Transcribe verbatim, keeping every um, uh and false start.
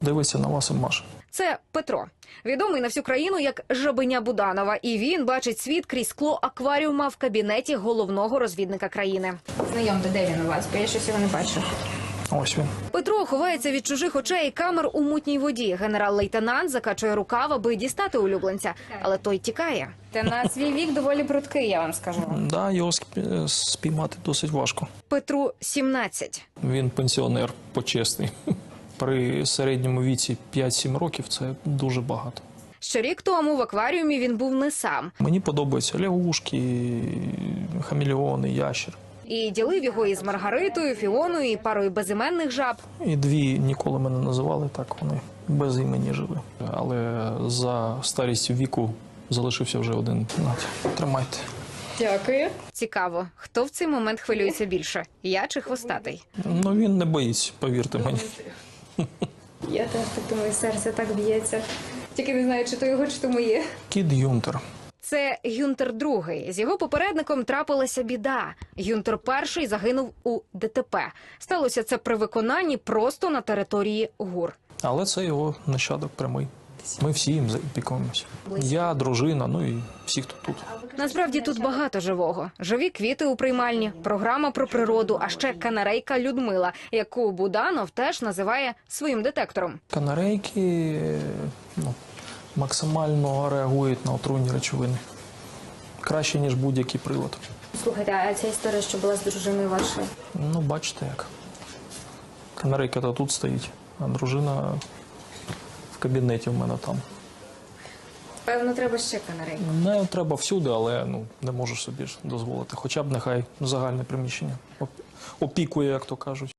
Дивиться на вас і маше. Це Петро, відомий на всю країну як Жабеня Буданова. І він бачить світ крізь скло акваріума в кабінеті головного розвідника країни. Знайомте, де він у вас, бо я щось його не бачу. Ось він. Петро ховається від чужих очей і камер у мутній воді. Генерал-лейтенант закачує рукав, аби дістати улюбленця. Але той тікає. Та на свій вік доволі прудкий, я вам скажу. Да, його сп- спіймати досить важко. Петру сімнадцять. Він пенсіонер почесний. При середньому віці п'ять-сім років це дуже багато. Ще рік тому в акваріумі він був не сам. Мені подобаються лягушки, хамелеони, ящер. І ділив його із Маргаритою, Фіоною і парою безіменних жаб. І дві ніколи мене називали так, вони без імені жили. Але за старістю віку залишився вже один. Нате, тримайте. Дякую. Цікаво, хто в цей момент хвилюється більше? Я чи хвостатий? Ну він не боїться, повірте мені. Я теж так думаю, серце так б'ється. Тільки не знаю, чи то його, чи то моє. Кіт Юнтер. Це Гюнтер другий. З його попередником трапилася біда. Гюнтер перший загинув у ДТП. Сталося це при виконанні просто на території ГУР. Але це його нащадок прямий. Ми всі їм опікуємося. Я, дружина, ну і всі, хто тут. Насправді тут багато живого. Живі квіти у приймальні, програма про природу, а ще канарейка Людмила, яку Буданов теж називає своїм детектором. Канарейки ну, максимально реагують на отруйні речовини. Краще, ніж будь-який прилад. Слухайте, а ця історія, що була з дружиною вашою? Ну, бачите як. Канарейка-то тут стоїть, а дружина в кабінеті в мене там. Певно, треба ще канарейку. Не треба всюди, але ну, не можеш собі ж дозволити. Хоча б нехай загальне приміщення оп- опікує, як то кажуть.